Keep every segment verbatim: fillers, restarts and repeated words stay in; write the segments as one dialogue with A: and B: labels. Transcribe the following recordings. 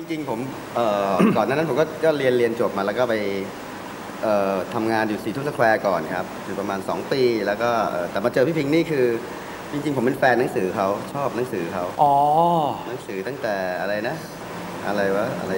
A: ริงๆผมก่อนหน้านั้นผมก็เรียนเรียนจบมาแล้วก็ไปทำงานอยู่สีทุ่งสแควร์ก่อนครับอยู่ประมาณสองปีแล้วก็แต่มาเจอพี่พิงค์นี่คือจริงๆผมเป็นแฟนหนังสือเขาชอบหนังสือเขาอ๋อหนังสือตั้งแต่อะไรนะอะไรวะอะไร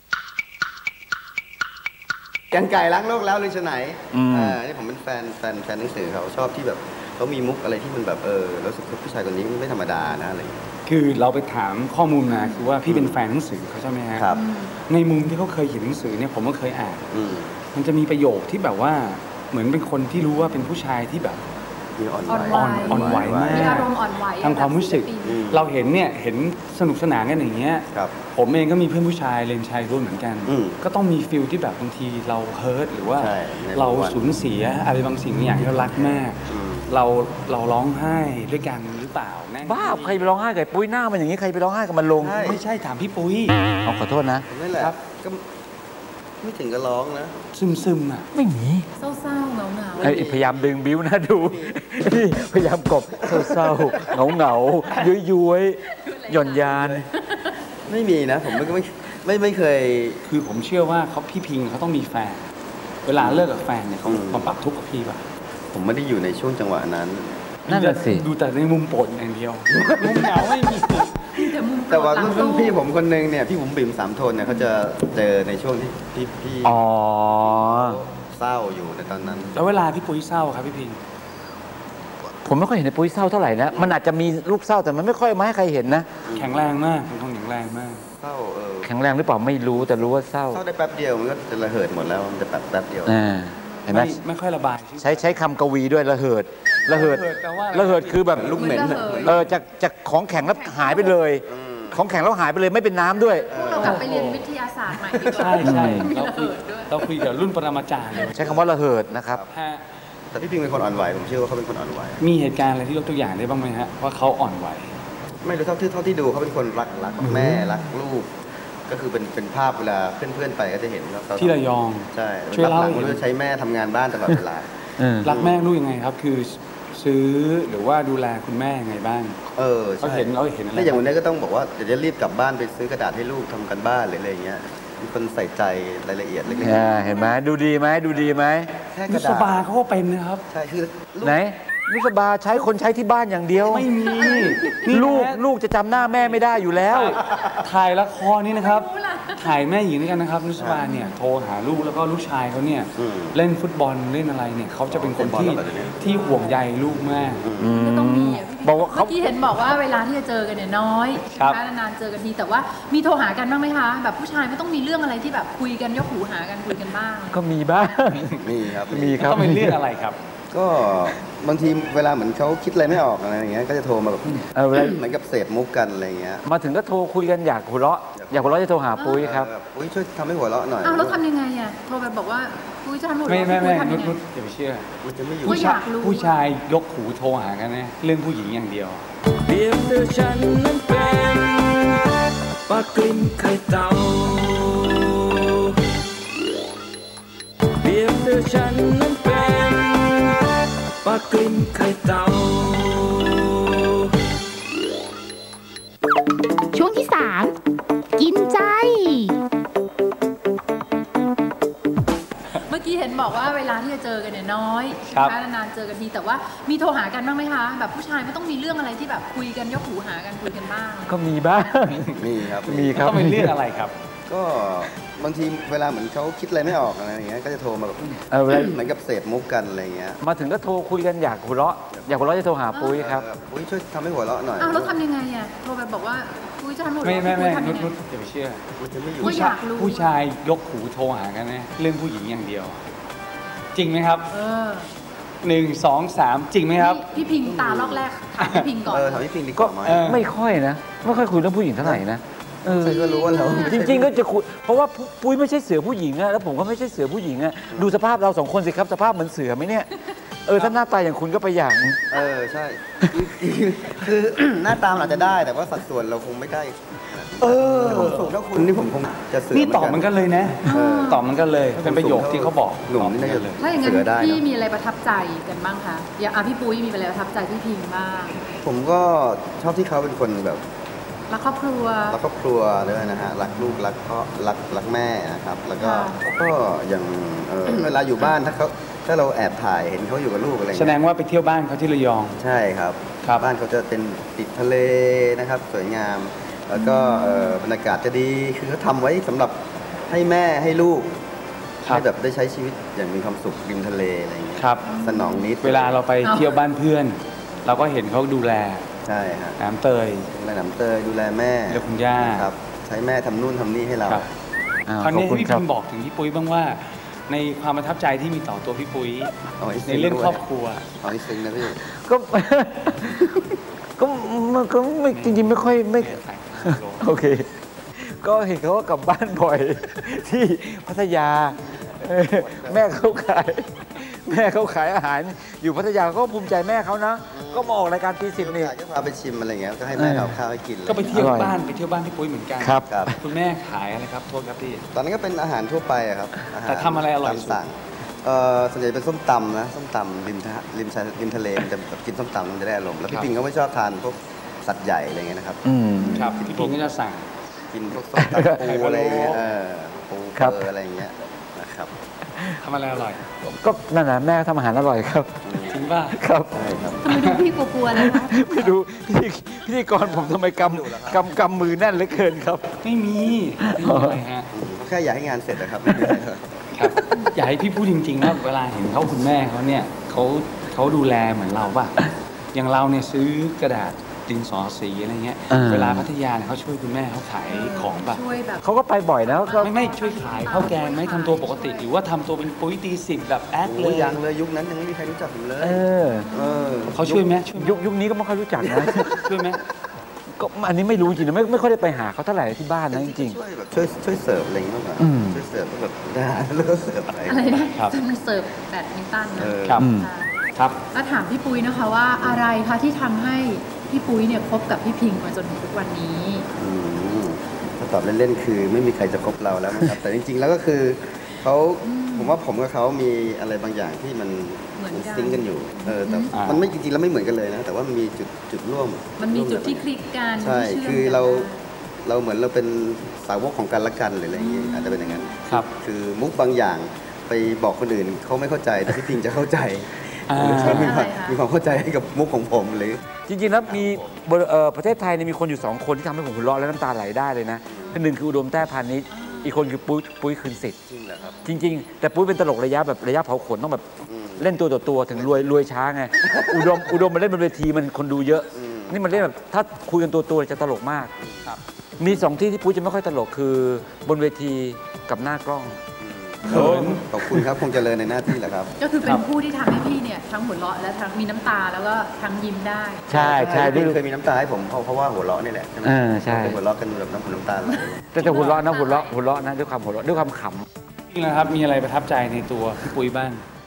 A: กันไก่ล้างโลกแล้วเลยชะไหนอ่านี่ผมเป็นแฟนแฟนแฟนหนังสือเขาชอบที่แบบเขามีมุกอะไรที่มันแบบเออรู้สึกว่าผู้ชายคนนี้ไม่ธรรมดานะอะไร
B: คือเราไปถามข้อมูลมาคือว่าพี่เป็นแฟนหนังสือเขาใช่ไหมฮะ
A: ครับ
B: ในมุมที่เขาเคยเขียนหนังสือเนี่ยผมก็เคยอ่านมันจะมีประโยคที่แบบว่าเหมือนเป็นคนที่รู้ว่าเป็นผู้ชายที่แบบ
A: อ่อน
B: ไหวอ่อนไหวมาก
C: มีอารมณ์อ่อนไหว
B: ทางความรู้สึกเราเห็นเนี่ยเห็นสนุกสนานกันอย่างเงี้ยผมเองก็มีเพื่อนผู้ชายเรียนชายรุ่นเหมือนกันก็ต้องมีฟิลที่แบบบางทีเราเฮิร์ตหรือว่าเราสูญเสียอะไรบางสิ่งอย่างที่เรารักมากเราเราร้องไห้ด้วยกันหรือเปล่า
D: บ้าใครไปร้องไห้กับปุ้ยหน้ามันอย่างนี้ใครไปร้องไห้กับมันลง
B: ไม่ใช่ถามพี่ปุ้ย
D: เอาขอโทษนะ
A: นั่นแหละก็ไม่ถึงกับร้องนะ
B: ซึมซึมอ่ะ
D: ไม่มี
C: เศร้าๆเหงาเหงา
D: พยายามดึงบิ้วนะดูพยายามกบเศร้าๆเหงาเหงาย้อยย้อยหย่อนยาน
A: ไม่มีนะผมไม่ไม่ไม่ไม่เคย
B: คือผมเชื่อว่าเขาพี่พิงเขาต้องมีแฟนเวลาเลิกกับแฟนเนี่ยเขาความปรับทุกข์กับพี่ป่ะ
A: ผมไม่ได้อยู่ในช่วงจังหวะนั้น
D: นั่นแหละสิ
B: ดูแต่ในมุมโปรดอย่างเดียวมุมเหงาไม่มี
A: แต่ว่ารุ่นพี่ผมคนนึงเนี่ยพี่ผมบิ่มสามทนเนี่ยเขาจะเจอในช่วงที่พี่พี่
D: อ๋อ
A: เศร้าอยู่ในตอนนั้น
B: แล้วเวลาพี่ปุ้ยเศร้าครับพี่พิง
D: ผมไม่ค่อยเห็นในปุ้ยเศร้าเท่าไหร่นะมันอาจจะมีรูปเศร้าแต่มันไม่ค่อยมาให้ใครเห็นนะ
B: แข็งแรงมากเป็นคนแข็งแรงมาก
A: เศร้าเออ
D: แข็งแรงหรือเปล่าไม่รู้แต่รู้ว่าเศร้า
A: เศร้าได้แป๊บเดียวมันก็จะระเหิดหมดแล้วมันจะแป๊บแป๊บเดียว
D: เห็นไหม
B: ไม่ค่อยระบาย
D: ใช้ใช้คำกวีด้วยระเหิดระเหิดระเหิดคือแบบ
A: ลูกเหม็น
D: เออจากจากของแข็งแล้วหายไปเลยของแข็งแล้วหายไปเลยไม่เป็นน้ำด้วย
C: เรากลับไปเรียนวิทยาศาสตร์ใหม่ดีกว่า
B: ใช่ใช่เราคุยเราคุยกับรุ่นปรมาจารย์เลย
D: ใช้คำว่าระเหิดนะครับ
A: แต่พี่พิงเป็นคนอ่อนไหวผมเชื่อว่าเขาเป็นคนอ่อนไหว
B: มีเหตุการณ์อะไรที่ยกตัวอย่างได้บ้างไหมฮะว่าเขาอ่อนไหว
A: ไม่รู้เท่าที่เท่าที่ดูเขาเป็นคนรักรักแม่รักลูกก็คือเป็นเป็นภาพเวลาเพื่อนๆไปก็จะเห็นว่า
B: ที่ระยอง
A: ใช่ช่วยเล่าหรือใช้แม่ทำงานบ้านตลอดเวลา
B: รักแม่ลูกยังไงครับคือซื้อหรือว่าดูแลคุณแม่ยังไงบ้าง
A: เออ
B: เขาเห็นเขาเห็นอะไร
A: อย่างวันนี้ก็ต้องบอกว่าเดี๋ยวจะรีบกลับบ้านไปซื้อกระดาษให้ลูกทำกันบ้านหรืออะไรอย่างเงี้ยมีคนใส่ใจรายละเอียดเล็ก
D: ๆเห็นไหมดูดีไหมดูดีไหม
B: แค่กระดาษนุสบาเขาก็เป็นนะครับ
A: ใช่คือ
D: ไหนนุสบาใช้คนใช้ที่บ้านอย่างเดียว
B: ไม่มี
D: ลูกลูกจะจำหน้าแม่ไม่ได้อยู่แล้ว
B: ถ่ายละครนี่นะครับถ่ายแม่หญิงด้วยกันนะครับนุสบาเนี่ยโทรหาลูกแล้วก็ลูกชายเขาเนี่ยเล่นฟุตบอลเล่นอะไรเนี่ยเขาจะเป็นคนที่ที่ห่วงใยลูกมาก
C: ต้องมีบอกว่าเขาที่เห็นบอกว่าเวลาที่จะเจอกันเนี่ยน้อยนานๆเจอกันทีแต่ว่ามีโทรหากันบ้างไหมคะแบบผู้ชายไม่ต้องมีเรื่องอะไรที่แบบคุยกันยกหูหากันคุยกันบ้าง
D: ก็มีบ้าง
A: มีครับ
D: มีครับ
B: ต้องเป็นเรื่องอะไรครับ
A: ก็บางทีเวลาเหมือนเขาคิดอะไรไม่ออกอะไรอย่างเงี้ยก็จะโทรมาแบบเหมือนกับเสพมุกกันอะไรเงี้ย
D: มาถึงก็โทรคุยกันอยากหัวเราะอยากหัวเราะจะโทรหาปุ้ยครับ
A: ปุ้ยช่วยทำให้หัวเราะหน่อย
C: อ้าวแล้วทำยังไงอ่ะโทรไปบอกว่าปุ้ยจะทำหัวเราะ
B: ไม่ไม่ไม่นุชนุชอย่าไปเชื่อ
A: มันจะไม่อยู่
B: ผู้ชายผู้ชายยกหูโทรหากันนะเรื่องผู้หญิงอย่างเดียว
E: เพียงเธอฉันนั้นเป็นปลากลิ่นไข่เต่าเพียงเธอฉันนั้นเป็นปลากลิ่นไข่เต่า
F: ช่วงที่สามกินใจ
C: เมื่อกี้เห็นบอกว่าเวลาที่จะเจอกันเนี่ยน้อยนานๆเจอกันทีแต่ว่ามีโทรหากันบ้างไหมคะแบบผู้ชายไม่ต้องมีเรื่องอะไรที่แบบคุยกันยกหูหากันคุยกันบ้าง
D: ก็มีบ้าง
A: มีครับ
D: มีครับ
B: ต้องเป็นเรื่องอะไรครับ
A: ก็บางทีเวลาเหมือนเขาคิดอะไรไม่ออกอะไรอย่างเงี้ยก็จะโทรมาแบบเหมือนกับเสพมุกกันอะไรเงี้ย
D: มาถึงก็โทรคุยกันอยากหัวเราะอยากหัวเราะจะโทรหาปุ้ยครับ
A: ปุ้ยช่วยทำให้หัวเราะหน่อย
C: อ้าวแล้วทำยังไงอ่ะโทรไปบอกว่าปุ้ยจะทำหัวเราะ
B: ไม่ไม่ไม่นุชนุชอย่าไปเชื่อ
A: มันจะไม่อยู่
B: ผู้ชายผู้ชายยกหูโทรหากันนะเรื่องผู้หญิงอย่างเดียวจริงไหมครับ
C: เออ
B: หนึ่งสองสามจริงไหมครับ
C: พี่พิงตาลอกแรกถามพี่พิงก่อน
A: เออถามพี่พิงดีกว่าไหม
D: ไม่ค่อยนะไม่ค่อยคุยเรื่องผู้หญิงเท่าไหร่นะ
A: ใช่ก็รู้ว่าเรา
D: จริงๆก็จะคุยเพราะว่าปุ้ยไม่ใช่เสือผู้หญิงอะแล้วผมก็ไม่ใช่เสือผู้หญิงอะดูสภาพเราสองคนสิครับสภาพเหมือนเสือไหมเนี่ยเออถ้าหน้าตาอย่างคุณก็ไปอย่าง
A: เออใช่คือหน้าตาอาจจะได้แต่ว่าสัดส่วนเราคงไม่ได้
B: เออ
A: สูงเท่าคุณนี่ผมคงจะเสือ
B: นี่ตอบมันกันเลยนะตอบมันกันเลยเป็นประโยคที่เขาบอก
A: หนุ่มนี่น่าจะเลย
C: ถ้าอย่างนั้นพี่มีอะไรประทับใจกันบ้างคะอย่างพี่ปุ้ยมีอะไรประทับใจพี่พิงบ้าง
A: ผมก็ชอบที่เขาเป็นคนแบบ
C: รักครอบครัว
A: รักครอบครัวด้วยนะฮะรักลูกรักพ่อรักรักแม่นะครับแล้วก็
C: ค่ะ
A: ก็อย่างเอ่อเวลาอยู่บ้านถ้าเขาถ้าเราแอบถ่ายเห็นเขาอยู่กับลูกอะไร
B: แส
A: เงี้ย
B: ดงว่าไปเที่ยวบ้านเขาที่ระยอง
A: ใช่ครับ
B: ครับ
A: บ้านเขาจะเป็นติดทะเลนะครับสวยงาม แล้วก็เอ่อบรรยากาศจะดีคือเขาทำไว้สำหรับให้แม่ให้ลูก
B: ครับ
A: ให้แบบได้ใช้ชีวิตอย่างมีความสุขริมทะเลอะไรอย่างเงี้ย
B: ครับ
A: สนองนิด
B: เวลาเราไปเที่ยวบ้านเพื่อน เราก็เห็นเขาดูแล
A: ใช่ฮะ
B: น้ำเตย
A: ดูแลหนำเตยดูแลแม่
B: ดูแลคุณย่า
A: ครับใช้แม่ทำนู่นทำนี่ให้เรา
B: ครับ
D: อ้าว
B: คราว
D: ขอบ
B: นี้
D: คุณ
B: ให้พี่
D: ครั
B: พิ
D: บ
B: มบอกถึงพี่ปุ้ยบ้างว่า ในความประทับใจที่มีต่อตัวพี่ปุ้ย
A: เอาให้
B: ใน
A: ซึ้ง
B: เรื่อง
A: ด้วย
B: ครอบครัว
A: เอาให้ซึ้งนะพี่
D: ก็ ก็มันก็ไม่จริงๆไม่ค่อยไม่ โอเค ก็เห็นเขาว่ากลับบ้านบ่อย ที่พัทยาเออแม่เขาขาย แม่เขาขายอาหาร อยู่พัทยาเขาก็ภูมิใจแม่เขานะ ก็มาออกรายการตีสิบนี่
A: อยากจะพาไปชิมอะไรเงี้ยก็ให้แม่เอาข้าวให้กิน
B: ก็ไปเที่ยว
D: อร่อย
B: บ้านไปเที่ยวบ้านพี่ปุ้ยเหมือนกัน
D: ครับ
A: ครับ
B: คุณแม่ขายอะไรครับโทษครับพี่
A: ตอนนั้นก็เป็นอาหารทั่วไปอะครับอาหาร
B: แต่ทำอะไรอร่อยสุด
A: ตามสั่งเอ่อส่วนใหญ่เป็นส้มตำนะส้มตำริมทะริมชายริมทะเลมันจะแบบกินส้มตำมันจะได้อารมณ์แล้วพี่ปิงก็ไม่ชอบทานพวกสัตว์ใหญ่อะไรเงี้ยนะครับ
D: อืม
B: ครับพี่พิงก็จะสั่ง
A: กินพวกส้มตำปูอะไรเงี้ยเออปู
D: ครับ
A: เปอร์อะไรเงี้ยนะครับ
B: ทำอะไรอร่อย
D: ก็นั่นนะแม่ทำอาหารอร่อยครับ
B: จริงป่ะ
D: ครับ
A: ใช่ครับ
C: ทำไมดูพี่กลัวๆเลยคะ
D: ไม่รู้พิธีพิธีกรผมทำไมกำกำกำมือแน่นเหลือเกินครับ
B: ไม่มีไม่มีอะไรฮะ
A: อืมแค่อยากให้งานเสร็จนะครับไม่มีอะไรครับ
B: ครับอยากให้พี่พูดจริงๆว่าเวลาเห็นเขาคุณแม่เขาเนี่ยเขาเขาดูแลเหมือนเราป่ะอย่างเราเนี่ยซื้อกระดาษดินสอสีอะไรเงี้ย
D: อ่า
B: เวลาพัทยาเนี่ยเขาช่วยคุณแม่เขาขายของป่ะ
C: ช่วยแบบ
D: เขาก็ไปบ่อยนะก็
B: ไม่ไม่ช่วยขายข้าวแกงไหม่ทำตัวปกติ หรือว่าทำตัวเป็นปุ้ยตีสิบแบบแอคเล
A: โอ้
B: ย
A: ยังเลยยุคนั้นยังไม่มีใครรู้จักผมเลย
D: เออ
A: เออ
B: เขาช่วยไหมช่วย
D: ยุคยุคนี้ก็ไม่ค่อยรู้จักนะ
B: ช่วยไหม
D: ก็อันนี้ไม่รู้จริงนะไม่ไม่ค่อยได้ไปหาเขาเท่าไหร่ที่บ้านนะจริง
A: ช่วยแบบช่วยช่วยเสิร์ฟอะไรอย่างเงี้ยมากกว่า
D: อืม
A: ช่วยเสิร์ฟแบบอาหารแล้วก็เสิร์ฟอะไร
C: อะไรนะจนเสิร์ฟแบดมินตัน
A: เอ
C: นะ
A: อ
B: ครับ
D: อืม
C: ค่ะ
B: ครับ
C: แล้วถามพี่ปุ้ยนะคะว่าอะไรคะที่ทำให้พี่ปุ้ยเนี่ยคบกับพี่พิงมาจนถึงทุกวันนี้
A: อืมถ้าตอบเล่นๆคือไม่มีใครจะคบเราแล้วนะครับ แต่จริงๆแล้วก็คือเขาผมว่าผมกับเขามีอะไรบางอย่างที่มัน
C: เหมือนกัน
A: ซิงค์กันอยู่เออแต่
B: อ่ามั
A: มันไม่จริงๆแล้วไม่เหมือนกันเลยนะ แต่ว่ามันมีจุดจุดร่วม
C: มันมีจุดที่ค
A: ร่ว
C: ลิกกัน
A: ใช่
C: ที่เชื่ม
A: คือ
C: กัน
A: เราเราเหมือนเราเป็นสาวกของกันและกันหรืออะไรอย่างเงี้ยอาจจะเป็นอย่างนั้น
B: ครับ
A: คือมุกบางอย่างไปบอกคนอื่นเขาไม่เข้าใจแต่พี่พิงจะเข้าใจ
B: อ่า
A: หรือเขามีความ
C: ใช่ค่ะ
A: มีความเข้าใจให้กับมุกของผมหรือ
D: ๆ จริงๆแล้วมีบริเอ่อประเทศไทยเนี่ยมีคนอยู่สองคนที่ทำให้ผมหัวเราะและน้ำตาไหลได้เลยนะคนหนึ่งคืออุดมแต้พานิชอีกคนคือปุ้ยปุ้ยคืนสิทธิ์
A: จริงเหรอครับ
D: จริง ๆ แต่ปุ้ยเป็นตลกระยะแบบระยะเผาขนต้องแบบ
A: อืม
D: เล่นตัวต่อตัวถึงรวยรวยช้าไง อุดมอุดมมาเล่นบนเวทีมันคนดูเยอะ
A: อืม
D: นี่มันเล่นแบบถ้าคุยกันตัวตัวๆจะตลกมาก
B: ครับ
D: มีสองที่ที่ปุ้ยจะไม่ค่อยตลกคือบนเวทีกับหน้ากล้อง
B: เขิน
A: ขอบคุณครับคงเจริญในหน้าที่แหละครับ
C: ก็คือเป็
B: ครั
C: น
B: บ
C: ผู้ที่ทำให้พี่เนี่ยทั้งหัวเราะและทั้งมีน้ำตาแล้วก็ทั้งยิ้มได้
D: ใช่ใช่
A: พี่
D: ด้วย
A: เคยมีน้ำตาให้ผมเพราะเพราะว่าหัวเราะนี่แหละใช่ไหม
D: เออใช่
A: เคยหัวเราะกันแบบน้ำหูน้ำตาไหล
D: แต่แต่หัวเราะนะหัวเราะหัวเราะนะด้วยความหัวเราะด้วยความขำ
B: จริงๆแล้วครับมีอะไรประทับใจในตัวพี่ปุ้ยบ้าง